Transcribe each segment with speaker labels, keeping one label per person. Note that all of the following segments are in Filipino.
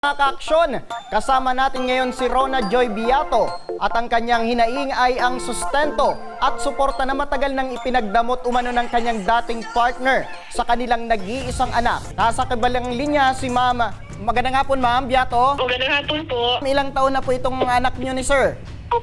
Speaker 1: Mga kaaksyon, kasama natin ngayon si Rona Joy Beato at ang kanyang hinaing ay ang sustento at suporta na matagal nang ipinagdamot umano ng kanyang dating partner sa kanilang nag-iisang anak. Nasa kabilang linya si Ma'am. Magandang hapon, Ma'am Beato.
Speaker 2: Magandang hapon po.
Speaker 1: Ilang taon na po itong anak niyo ni Sir?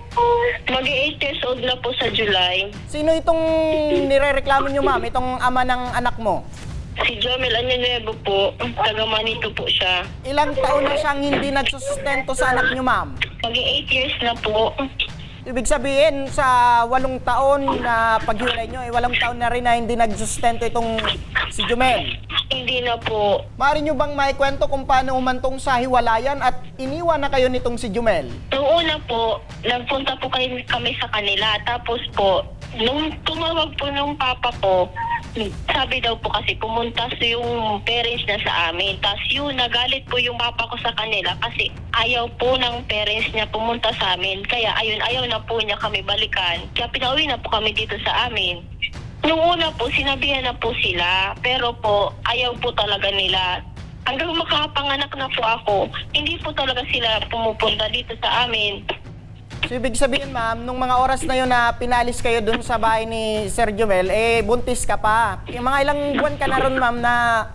Speaker 2: Mag-8 years old na po sa July.
Speaker 1: Sino itong nirereklamo niyo, Ma'am? Itong ama ng anak mo?
Speaker 2: Si Jomel Añanuevo po, taga Manito po siya.
Speaker 1: Ilang taon na siyang hindi nagsusustento sa anak niyo, Ma'am?
Speaker 2: Mag-8 years na po.
Speaker 1: Ibig sabihin, sa 8 taon na paghiwalay nyo, 8 taon na rin na hindi nagsustento itong si Jomel.
Speaker 2: Hindi na po.
Speaker 1: Maaari nyo bang maikwento kung paano umantong sa hiwalayan at iniwan na kayo nitong si Jomel?
Speaker 2: Noong una po, nagpunta po kami sa kanila. Tapos po, nung tumawag po nung papa ko, sabi daw po kasi pumunta yung parents niya sa amin. Tapos yun, nagalit po yung papa ko sa kanila kasi ayaw po ng parents niya pumunta sa amin. Kaya ayun, ayaw na po niya kami balikan. Kaya pinauwi na po kami dito sa amin. Nung una po, sinabihan na po sila. Pero po, ayaw po talaga nila. Hanggang makapanganak na po ako, hindi po talaga sila pumupunta dito sa amin.
Speaker 1: So, ibig sabihin, Ma'am, nung mga oras na yun na pinalis kayo dun sa bahay ni Sir Jomel, buntis ka pa. Yung mga ilang buwan ka na ron, Ma'am, na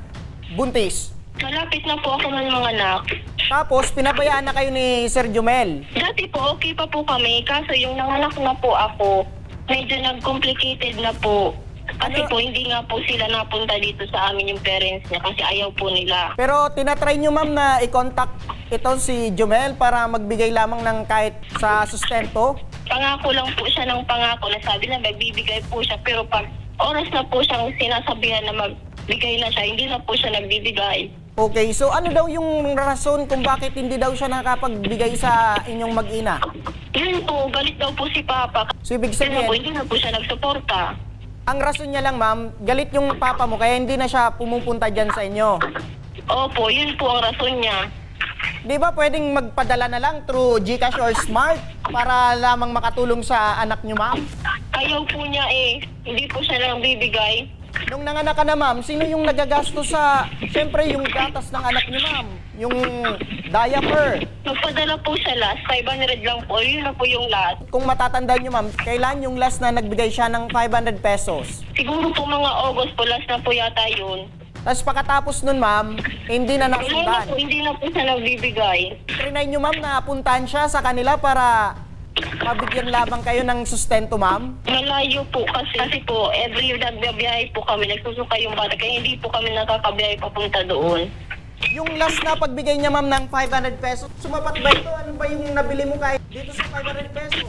Speaker 1: buntis.
Speaker 2: Malapit na po ako ng mga anak.
Speaker 1: Tapos, pinabayaan na kayo ni Sir Jomel.
Speaker 2: Dati po, okay pa po kami. Kaso yung nanganak na po ako, medyo nag-complicated na po. Kasi po, hindi nga po sila napunta dito sa amin yung parents niya kasi ayaw po nila.
Speaker 1: Pero tinatry nyo, Ma'am, na i-contact ito si Jomel para magbigay lamang ng kahit sa sustento?
Speaker 2: Pangako lang po siya ng pangako na sabi na magbibigay po siya. Pero pag oras na po siyang sinasabihan na magbigay na siya, hindi na po siya nagbibigay.
Speaker 1: Okay, so ano daw yung rason kung bakit hindi daw siya nakapagbigay sa inyong mag-ina?
Speaker 2: Yun po, galit daw po si Papa.
Speaker 1: So ibig
Speaker 2: Kasi po,
Speaker 1: sabihin,
Speaker 2: hindi na po siya nagsuporta.
Speaker 1: ang rason niya lang, Ma'am, galit yung papa mo kaya hindi na siya pumupunta dyan sa inyo.
Speaker 2: Opo, yun po ang rason niya.
Speaker 1: Di ba pwedeng magpadala na lang through GCash or Smart para lamang makatulong sa anak niyo, Ma'am?
Speaker 2: Ayaw po niya eh. Hindi po siya nang bibigay.
Speaker 1: Nung nanganak ka na, Ma'am, sino yung nagagastos sa, siyempre, yung gatas ng anak niyo, Ma'am? Yung diaper.
Speaker 2: Nagpadala po siya last, 500 lang po. Yun na po yung last.
Speaker 1: Kung matatandaan niyo, Ma'am, kailan yung last na nagbigay siya ng 500 pesos?
Speaker 2: Siguro po mga August po, last na po yata yun.
Speaker 1: Tapos pagkatapos nun, Ma'am, hindi na
Speaker 2: Wala na
Speaker 1: nasundan.
Speaker 2: po, hindi na po siya nagbibigay.
Speaker 1: Trinay niyo, Ma'am, na puntahan siya sa kanila para mabigyan lamang kayo ng sustento, Ma'am?
Speaker 2: Malayo po kasi po, every year nagbiyahe po kami, nagsusuka yung bata, kaya hindi po kami nakakabiyahe papunta doon.
Speaker 1: Yung last na pagbigay niya, Ma'am, ng 500 pesos, sumapat ba ito? Ano ba yung nabili mo kahit dito sa 500 pesos?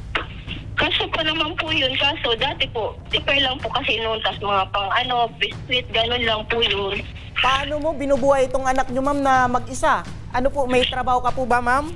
Speaker 2: Kaso pa naman po yun, kaso dati po, tipay lang po kasi noon, tas mga pang biscuit, ganun lang po yun.
Speaker 1: Paano mo binubuhay itong anak niyo, Ma'am, na mag-isa? Ano po, may trabaho ka po ba, Ma'am?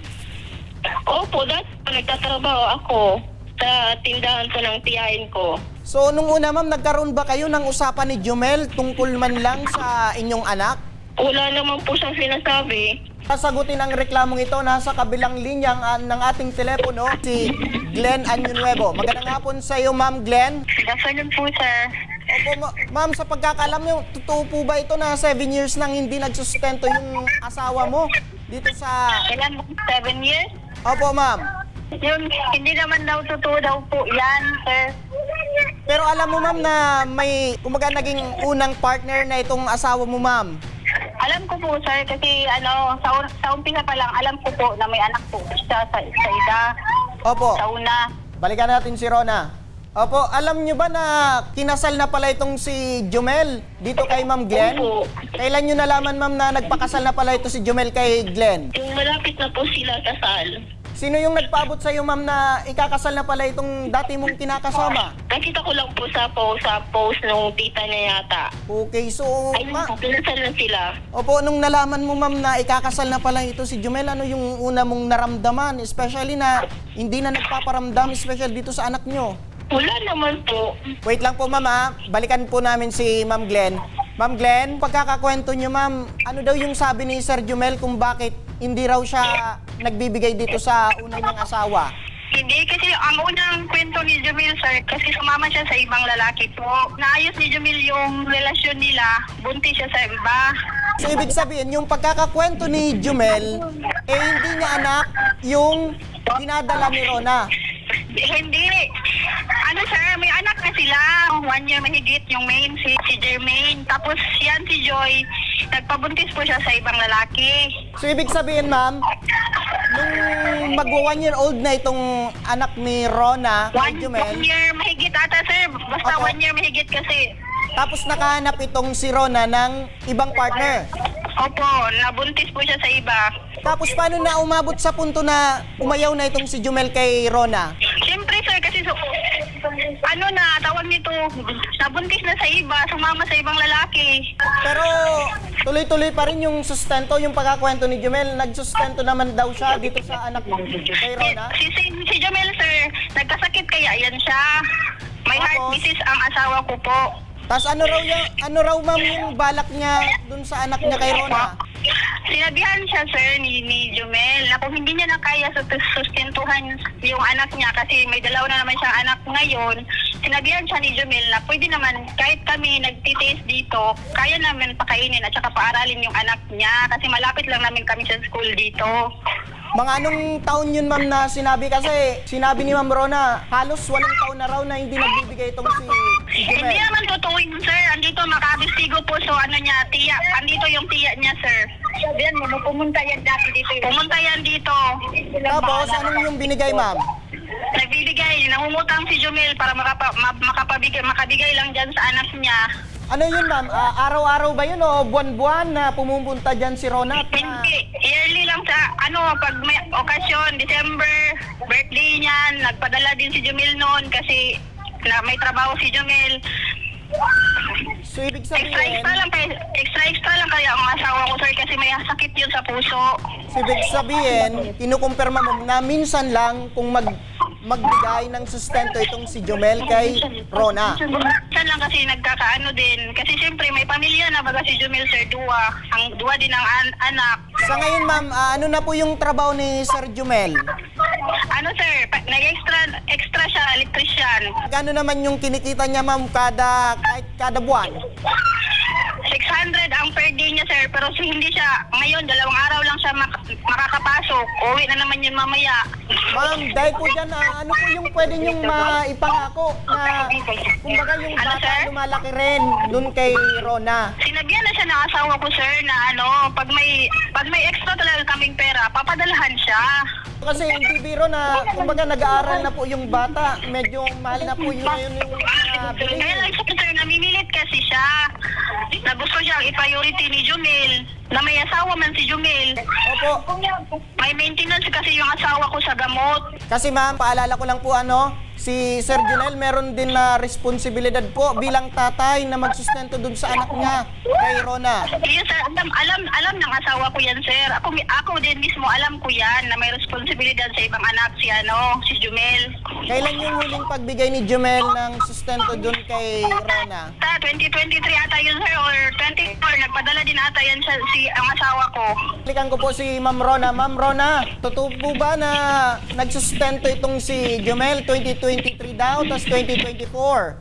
Speaker 2: Opo, dati po nagtatrabaho ako sa tindahan ko ng tiyahin ko.
Speaker 1: So, nung una, Ma'am, nagkaroon ba kayo ng usapan ni Jomel tungkol man lang sa inyong anak?
Speaker 2: Wala naman po siyang sinasabi.
Speaker 1: Sasagutin ang reklamong ito, nasa kabilang linya ng ating telepono, si Glenn Añanuevo. Magandang hapon sa iyo, Ma'am Glenn.
Speaker 2: Afternoon po, sir.
Speaker 1: Opo, Ma'am, sa pagkakalam niyo, totoo po ba ito na 7 years nang hindi nagsustento yung asawa mo dito sa...
Speaker 2: Kailan mo? 7 years?
Speaker 1: Opo, Ma'am.
Speaker 2: Yun, hindi naman daw totoo daw po yan, sir.
Speaker 1: Pero alam mo, Ma'am, na may, kumaga, naging unang partner na itong asawa mo, Ma'am.
Speaker 2: Alam ko po, sir, kasi sa umpisa pa lang, alam ko po na may anak po siya sa ida,
Speaker 1: Opo.
Speaker 2: sa una.
Speaker 1: Balikan natin si Rona. Opo, alam niyo ba na kinasal na pala itong si Jomel dito kay Ma'am Glenn?
Speaker 2: Opo.
Speaker 1: Kailan niyo nalaman, Ma'am, na nagpakasal na pala ito si Jomel kay Glenn?
Speaker 2: Yung malapit na po sila kasal.
Speaker 1: Sino yung nagpaabot sa iyo, Ma'am, na ikakasal na pala itong dati mong kinakasama?
Speaker 2: Nakita ko lang po sa post nung tita niya yata.
Speaker 1: Okay, so,
Speaker 2: Ayun po, pinasal na sila.
Speaker 1: Opo, nung nalaman mo, Ma'am, na ikakasal na pala ito si Jomel, ano yung una mong naramdaman? Especially na hindi na nagpaparamdam, especially dito sa anak nyo.
Speaker 2: Wala naman po.
Speaker 1: Wait lang po, Ma'am, ha? Balikan po namin si Ma'am Glenn. Ma'am Glenn, pagkakakwento nyo, Ma'am, ano daw yung sabi ni Sir Jomel kung bakit hindi raw siya nagbibigay dito sa una niyang asawa?
Speaker 2: Hindi, kasi ang unang kwento ni Jomel, sir, kasi sumama siya sa ibang lalaki po. Naayos ni Jomel yung relasyon nila, buntis siya sa iba.
Speaker 1: So ibig sabihin, yung pagkakakwento ni Jumel, hindi niya anak yung dinadala ni Rona.
Speaker 2: Hindi. Ano sir, may anak na sila. 1 year mahigit yung main, si Jermaine. Tapos yan si Joy, nagpabuntis po siya sa ibang lalaki.
Speaker 1: So ibig sabihin, ma'am, nung magwa 1 year old na itong anak ni Rona, kay Jumel,
Speaker 2: 1 year mahigit ata sir. Basta
Speaker 1: Opo.
Speaker 2: 1 year mahigit kasi.
Speaker 1: tapos nakahanap itong si Rona ng ibang partner.
Speaker 2: Opo, nabuntis po siya sa iba.
Speaker 1: Tapos paano na umabot sa punto na umayaw na itong si Jumel kay Rona?
Speaker 2: Siyempre sir, kasi ano na, tawag nito, nabuntis na sa iba, sumama sa ibang lalaki.
Speaker 1: Pero tuloy-tuloy pa rin yung sustento, yung pagkakwento ni Jumel. Nagsustento naman daw siya dito sa anak kay Rona.
Speaker 2: Si Jamel sir, nagkasakit kaya yan siya. May heart
Speaker 1: Tapos?
Speaker 2: disease ang asawa ko po.
Speaker 1: Tapos ano raw ma'am yung balak niya dun sa anak niya kay Rona?
Speaker 2: Sinabihan siya sir ni Jumel na kung hindi niya na kaya sustentuhan yung anak niya kasi may dalawa na naman siyang anak ngayon, sinabihan siya ni Jumel na pwede naman kahit kami nagtitaste dito, kaya namin pakainin at saka paaralin yung anak niya kasi malapit lang namin kami sa school dito.
Speaker 1: Mga anong taon yun ma'am na sinabi? Kasi sinabi ni Ma'am Rona, halos 8 taon na raw na hindi nagbibigay itong si
Speaker 2: Hindi
Speaker 1: Jumel.
Speaker 2: naman totoo yun sir, andito makabistigo po so ano niya, tiya, andito yung tiya niya sir. Sabihan mo, pumunta yan dati dito. Pumunta yan dito.
Speaker 1: Tapos anong yung binigay ma'am?
Speaker 2: Nagbibigay, nangungutang si Jumel para makabigay lang dyan sa anak niya.
Speaker 1: Ano yun ma'am? Araw-araw ba yun o buwan-buwan na pumupunta dyan si Rona? At na,
Speaker 2: Hindi, yearly lang sa, pag may okasyon, December, birthday niyan, nagpadala din si Jumel noon kasi may trabaho si Jumel.
Speaker 1: so ibig sabihin,
Speaker 2: Extra lang kaya ang asawa ko sir kasi may sakit yun sa puso.
Speaker 1: kinukumpirma mo na minsan lang kung magbigay ng sustento itong si Jumel kay Rona.
Speaker 2: Saan lang kasi nagkakaano din. Kasi siyempre may pamilya na baga si Jumel sir, duwa din ang anak.
Speaker 1: Sa ngayon ma'am, ano na po yung trabaho ni Sir Jumel?
Speaker 2: Ano sir, extra siya, electrician.
Speaker 1: Gano'n naman yung kinikita niya ma'am kahit kada buwan?
Speaker 2: 600 ang per day niya sir, pero hindi siya, ngayon 2 araw lang siya makakapasok. Uwi na naman yun mamaya.
Speaker 1: Ma'am, dahil po dyan, ano po yung pwede niyong maipangako na kumbaga yung
Speaker 2: Ano,
Speaker 1: bata
Speaker 2: sir?
Speaker 1: lumalaki rin dun kay Rona?
Speaker 2: Sinabihan na siya ng asawa ko sir na pag may extra talaga kaming pera, papadalahan siya.
Speaker 1: Kasi hindi biro na kumbaga nag-aaral na po yung bata, medyo mahal na po yun ngayon yung
Speaker 2: Kaya
Speaker 1: bilhin.
Speaker 2: lang siya sir, namimilit kasi siya. Na gusto siyang i-priority ni Jumel, na may asawa man si Jumel.
Speaker 1: Opo.
Speaker 2: May maintenance kasi yung asawa ko sa gamot.
Speaker 1: Kasi ma'am, paalala ko lang po si Sir Junel meron din na responsibilidad po bilang tatay na magsustento dun sa anak niya kay Rona.
Speaker 2: Yes sir, alam ng asawa ko yan sir. Ako din mismo alam ko yan na may responsibilidad sa ibang anak si Jumel.
Speaker 1: Kailan yung huling pagbigay ni Jumel ng sustento dun kay Rona?
Speaker 2: 2023 ata yun sir or 24, nagpadala din ata yan ang asawa ko.
Speaker 1: Klikan ko po si Ma'am Rona. Ma'am Rona, totoo po ba na nagsustento itong si Jumel 2023 daw, tapos 2024?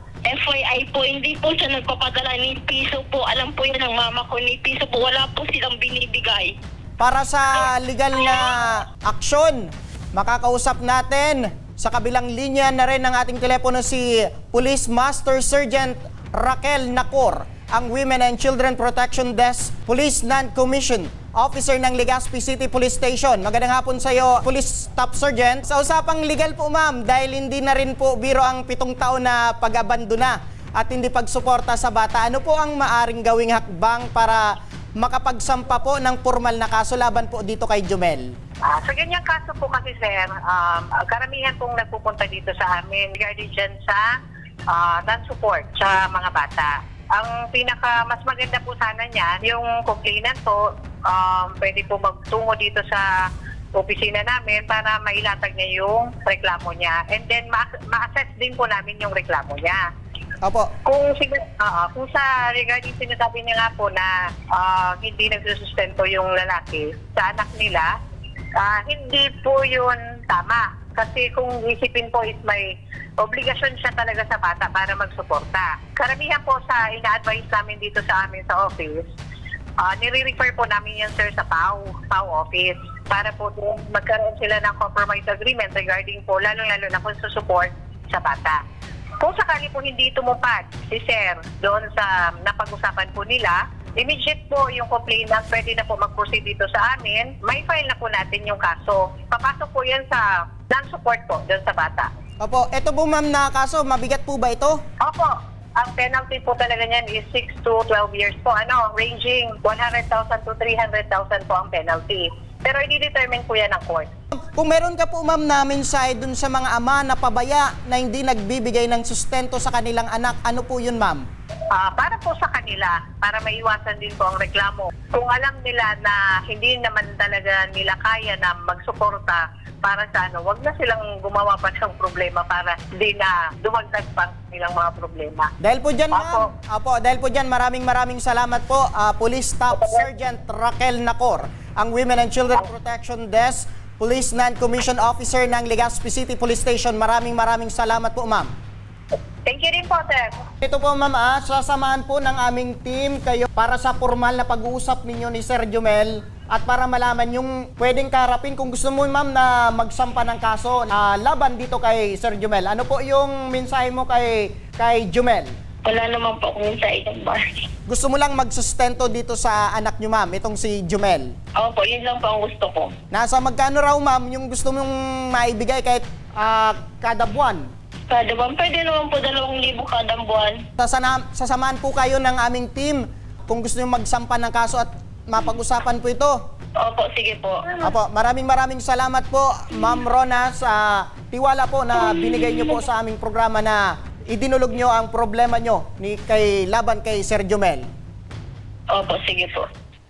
Speaker 2: FYI po, hindi po siya nagpapadala ni piso po. Alam po yan ng mama ko ni piso po. Wala po silang binibigay.
Speaker 1: Para sa legal na aksyon, makakausap natin sa kabilang linya na rin ng ating telepono si Police Master Sergeant Raquel Nacor, ang Women and Children Protection Desk Police Non-Commissioned Officer ng Legazpi City Police Station. Magandang hapon sa iyo, Police Staff Sergeant. Sa usapang legal po ma'am, dahil hindi na rin po biro ang 7 taon na pag-abandona at hindi pagsuporta sa bata, ano po ang maaring gawing hakbang para makapagsampa po ng formal na kaso laban po dito kay Jumel?
Speaker 3: Sa ganyang kaso po kasi sir, karamihan pong nagpupunta dito sa amin regarding dyan sa non-support sa mga bata. Ang mas maganda po sana niyan, yung complainant po, pwede po magtungo dito sa opisina namin para mailatag niya yung reklamo niya. And then ma-assess din po namin yung reklamo niya.
Speaker 1: Opo.
Speaker 3: Kung sa regarding sinasabi niya nga po na hindi nagsusustento yung lalaki sa anak nila, hindi po yun tama. Kasi kung isipin po is may obligasyon siya talaga sa bata para magsuporta. Karamihan po sa ina-advise namin dito sa amin sa office, nire-refer po namin yan, sir, sa PAW office para po doon magkaroon sila ng compromise agreement regarding po, lalong-lalo na kung support sa bata. Kung sakali po hindi tumupad si sir doon sa napag-usapan po nila, immediate po yung complainant pwede na po mag-proceed dito sa amin, may file na po natin yung kaso. Papasok po yan sa non-support po doon sa bata.
Speaker 1: Opo, ito po ma'am na kaso, mabigat po ba ito?
Speaker 3: Opo, ang penalty po talaga niyan is 6 to 12 years po, ranging 100,000 to 300,000 po ang penalty. Pero i-determine po yan ng court.
Speaker 1: Kung meron ka po ma'am na mensahe dun sa mga ama na pabaya na hindi nagbibigay ng sustento sa kanilang anak, ano po yun ma'am?
Speaker 3: Para po sa kanila, para maiwasan din po ang reklamo. Kung alam nila na hindi naman talaga nila kaya na magsuporta para sa wag na silang gumawa pa ng problema para hindi na dumagdag pa ang nilang mga problema.
Speaker 1: Dahil po dyan
Speaker 3: Opo.
Speaker 1: ma'am, dahil po dyan maraming salamat po, Police Staff Sergeant Raquel Nacor, ang Women and Children Protection Desk, Police Non-Commissioned Officer ng Legazpi City Police Station. Maraming salamat po ma'am.
Speaker 3: Thank you din po, sir.
Speaker 1: Ito po ma'am, sasamahan po ng aming team kayo para sa formal na pag-uusap ninyo ni Sir Jumel at para malaman yung pwedeng karapin kung gusto mo ma'am na magsampa ng kaso laban dito kay Sir Jumel. Ano po yung mensahe mo kay Jumel?
Speaker 2: Wala naman po akong sa isang bar.
Speaker 1: Gusto mo lang magsustento dito sa anak nyo ma'am, itong si Jumel.
Speaker 2: Opo, yun lang po ang gusto ko.
Speaker 1: Nasa magkano raw ma'am yung gusto mong maibigay kahit kada buwan?
Speaker 2: Kada buwan, pwede naman po 2,000 kada buwan.
Speaker 1: Sasamahan po kayo ng aming team kung gusto nyo magsampa ng kaso at mapag-usapan po ito.
Speaker 2: Opo, sige po.
Speaker 1: Apo, maraming salamat po, Ma'am Rona, sa tiwala po na binigay nyo po sa aming programa na idinulog nyo ang problema nyo laban kay Sir Jumel.
Speaker 2: Opo, sige po.